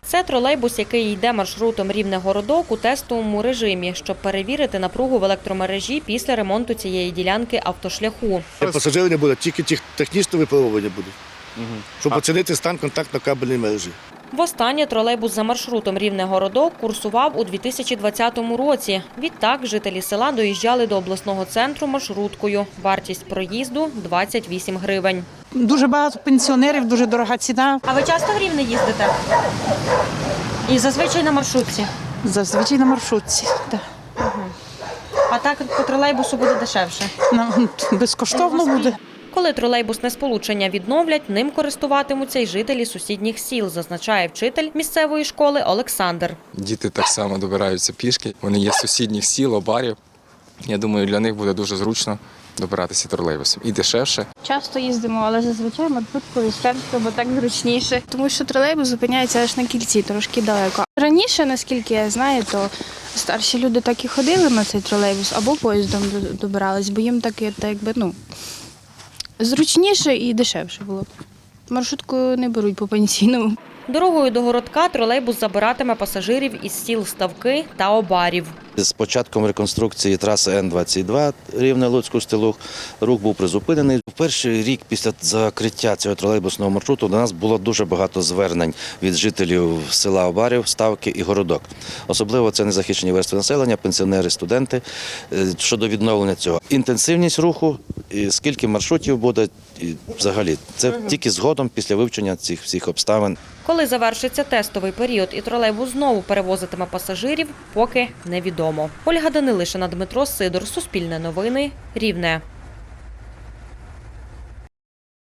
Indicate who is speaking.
Speaker 1: Це тролейбус, який йде маршрутом Рівне-Городок у тестовому режимі, щоб перевірити напругу в електромережі після ремонту цієї ділянки автошляху.
Speaker 2: Пасажирів не буде, тільки технічне випробування буде, щоб оцінити стан контактно-кабельної мережі.
Speaker 1: Востаннє тролейбус за маршрутом Рівне-Городок курсував у 2020 році. Відтак жителі села доїжджали до обласного центру маршруткою. Вартість проїзду – 28 гривень.
Speaker 3: Дуже багато пенсіонерів, дуже дорога ціна.
Speaker 1: А ви часто в Рівне їздите? І зазвичай на маршрутці?
Speaker 3: Зазвичай на маршрутці. Так.
Speaker 1: А так по тролейбусу буде дешевше?
Speaker 3: Нам безкоштовно буде.
Speaker 1: Коли тролейбусне сполучення відновлять, ним користуватимуться й жителі сусідніх сіл, зазначає вчитель місцевої школи Олександр.
Speaker 4: Діти так само добираються пішки. Вони є з сусідніх сіл, обарів. Я думаю, для них буде дуже зручно добиратися тролейбусом. І дешевше.
Speaker 5: Часто їздимо, але зазвичай маршруткою з центру, бо так зручніше. Тому що тролейбус зупиняється аж на кільці, трошки далеко. Раніше, наскільки я знаю, то старші люди так і ходили на цей тролейбус або поїздом добирались, бо їм так якби, зручніше і дешевше було. Маршрутку не беруть по пенсійному.
Speaker 1: Дорогою до Городка тролейбус забиратиме пасажирів із сіл Ставки та Обарів.
Speaker 6: З початком реконструкції траси Н-22 Рівне-Луцьк-Устилуг рух був призупинений. В перший рік після закриття цього тролейбусного маршруту до нас було дуже багато звернень від жителів села Обарів, Ставки і Городок. Особливо це незахищені верстви населення, пенсіонери, студенти щодо відновлення цього. Інтенсивність руху, скільки маршрутів буде, і взагалі, це тільки згодом після вивчення цих всіх обставин.
Speaker 1: Коли завершиться тестовий період і тролейбус знову перевозитиме пасажирів, поки невідомо. Ольга Данилишина, Дмитро Сидор, Суспільне новини, Рівне.